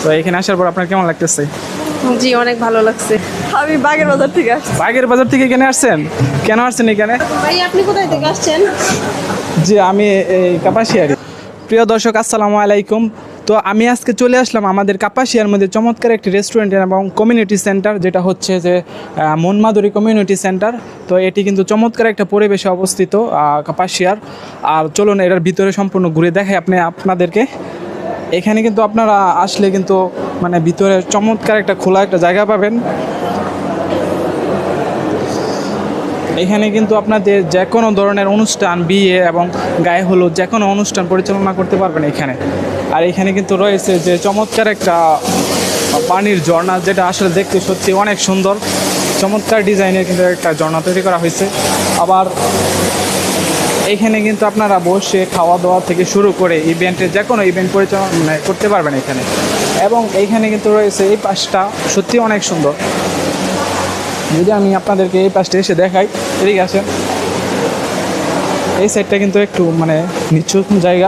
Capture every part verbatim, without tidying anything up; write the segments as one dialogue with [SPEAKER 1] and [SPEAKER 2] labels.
[SPEAKER 1] তো এখানে আসার পর আপনার কেমন লাগতেছে?
[SPEAKER 2] জি অনেক ভালো লাগছে। আমি বাগের বাজার থেকে আসছি।
[SPEAKER 1] বাগের বাজার থেকে এখানে আসছেন? কেন আসছেন এখানে?
[SPEAKER 2] ভাই আপনি কোথায় থেকে আসছেন?
[SPEAKER 1] জি আমি এই কাপাসিয়ারি। প্রিয় দর্শক আসসালামু আলাইকুম। তো আমি আজকে চলে আসলাম আমাদের কাপাসিয়ার মধ্যে চমৎকার একটি রেস্টুরেন্ট এবং কমিউনিটি সেন্টার, যেটা হচ্ছে যে মনমাধুরী কমিউনিটি সেন্টার। তো এটি কিন্তু চমৎকার একটা পরিবেশে অবস্থিত কাপাসিয়ার। আর চলুন এটার ভিতরে সম্পূর্ণ ঘুরে দেখাই আপনি আপনাদেরকে। এখানে কিন্তু আপনারা আসলে কিন্তু মানে ভিতরে চমৎকার একটা খোলা একটা জায়গা পাবেন। এখানে কিন্তু আপনাদের যে কোনো ধরনের অনুষ্ঠান, বিয়ে এবং গায়ে হলুদ যে কোনো অনুষ্ঠান পরিচালনা করতে পারবেন এখানে। আর এখানে কিন্তু রয়েছে যে চমৎকার একটা পানির ঝর্ণা, যেটা আসলে দেখতে সত্যি অনেক সুন্দর। চমৎকার ডিজাইনের কিন্তু একটা ঝর্ণা তৈরি করা হয়েছে। আবার এইখানে কিন্তু আপনারা বসে খাওয়া দাওয়া থেকে শুরু করে ইভেন্টের যে কোনো ইভেন্ট পরিচালনা করতে পারবেন এখানে। এবং এইখানে কিন্তু রয়েছে এই পাশটা সত্যি অনেক সুন্দর। যদি আমি আপনাদেরকে এই পাশটা এসে দেখাই, এদিকে আসেন। এই সাইডটা কিন্তু একটু মানে নিচু জায়গা।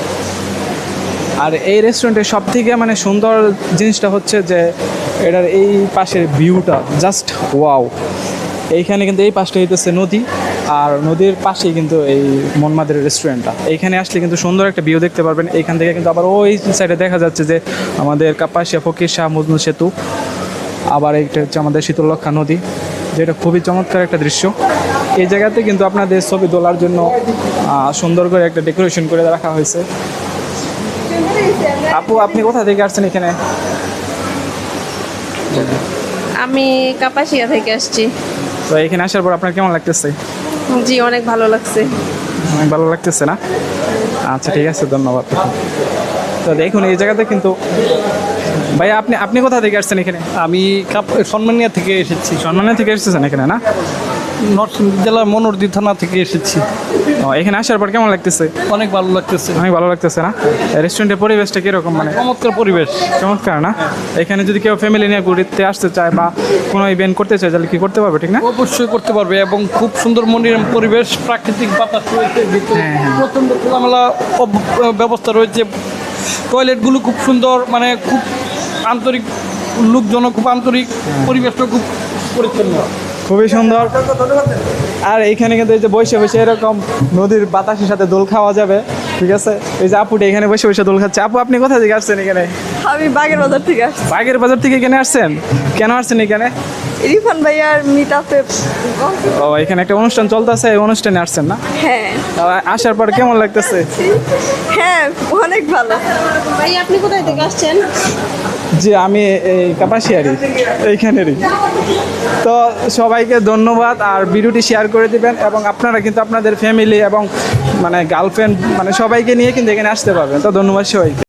[SPEAKER 1] আর এই রেস্টুরেন্টের সব থেকে মানে সুন্দর জিনিসটা হচ্ছে যে এটার এই পাশের ভিউটা জাস্ট ওয়াও। এইখানে কিন্তু এই পাশটা হইতেছে নদী, আর নদীর পাশেই কিন্তু এই মনমাধুরী রেস্টুরেন্টটা। এইখানে আসলে কিন্তু সুন্দর একটা ভিউ দেখতে পারবেন। এইখান থেকে কিন্তু আবার ওই সাইডে দেখা যাচ্ছে যে আমাদের কাপাসিয়া ফকির শাহ মজনু সেতু। আবার এইটা হচ্ছে আমাদের শীতলক্ষা নদী, যেটা খুবই চমৎকার একটা দৃশ্য। এই জায়গাতে কিন্তু আপনাদের ছবি তোলার জন্য সুন্দর করে একটা ডেকোরেশন করে রাখা হয়েছে। আপু আপনি কোথা থেকে আসছেন এখানে?
[SPEAKER 2] আমি কাপাসিয়া থেকে আসছি।
[SPEAKER 1] তো এখানে আসার পর আপনার কেমন লাগতেছে?
[SPEAKER 2] জি অনেক ভালো লাগছে।
[SPEAKER 1] অনেক ভালো লাগতেছে না? আচ্ছা ঠিক আছে, ধন্যবাদ। তো দেখুন এই জায়গাতে কিন্তু ভাইয়া আপনি আপনি কোথা থেকে আসছেন এখানে?
[SPEAKER 3] আমি সম্মানিয়া থেকে এসেছি।
[SPEAKER 1] সম্মানিয়া থেকে এসেছেন এখানে না?
[SPEAKER 3] নরসিংদী জেলার মনোরদি থানা থেকে এসেছি।
[SPEAKER 1] ও, এখানে আসার পর কেমন লাগতেছে?
[SPEAKER 3] অনেক ভালো লাগতেছে।
[SPEAKER 1] অনেক ভালো লাগতেছে না? রেস্টুরেন্টের পরিবেশটা কীরকম? মানে
[SPEAKER 3] চমৎকার পরিবেশ।
[SPEAKER 1] চমৎকার না? এখানে যদি কেউ ফ্যামিলি নিয়ে ঘুরতে আসতে চায় বা কোনো ইভেন্ট করতে চায় তাহলে কি করতে পারবে, ঠিক না?
[SPEAKER 3] অবশ্যই করতে পারবে, এবং খুব সুন্দর মনোরম পরিবেশ, প্রাকৃতিক বাতাস রয়েছে ভিতরে।
[SPEAKER 1] হ্যাঁ, হ্যাঁ।
[SPEAKER 3] প্রচণ্ড খোলামেলা অব- ব্যবস্থা রয়েছে। টয়লেটগুলো খুব সুন্দর, মানে খুব আন্তরিক লোকজন, খুব আন্তরিক, পরিবেশটা খুব পরিচ্ছন্ন।
[SPEAKER 1] খুবই সুন্দর। আর এইখানে কিন্তু এই যে বসে বসে এরকম নদীর বাতাসের সাথে দোল খাওয়া যাবে, ঠিক আছে? এই যে আপুটা এখানে বসে বসে দোল খাচ্ছে। আপু আপনি কোথা থেকে আসছেন এখানে?
[SPEAKER 2] আমি বাগের বাজার থেকে আসছি।
[SPEAKER 1] বাগের বাজার থেকে এখানে আসছেন? কেন আসছেন এখানে?
[SPEAKER 2] ইরফান ভাইয়ার মিট আপে।
[SPEAKER 1] ও, এখানে একটা অনুষ্ঠান চলতেছে, এই অনুষ্ঠানে আসছেন না?
[SPEAKER 2] হ্যাঁ
[SPEAKER 1] তো আসার পর কেমন লাগতেছে?
[SPEAKER 2] হ্যাঁ অনেক ভালো। ভাই আপনি কোথায় থেকে আসছেন?
[SPEAKER 1] জি আমি এই কাপাসিয়ারি এইখানেরই। তো সবাইকে ধন্যবাদ, আর ভিডিওটি শেয়ার করে দিবেন। এবং আপনারা কিন্তু আপনাদের ফ্যামিলি এবং মানে গার্লফ্রেন্ড মানে সবাইকে নিয়ে কিন্তু এখানে আসতে পারবেন। তো ধন্যবাদ সবাইকে।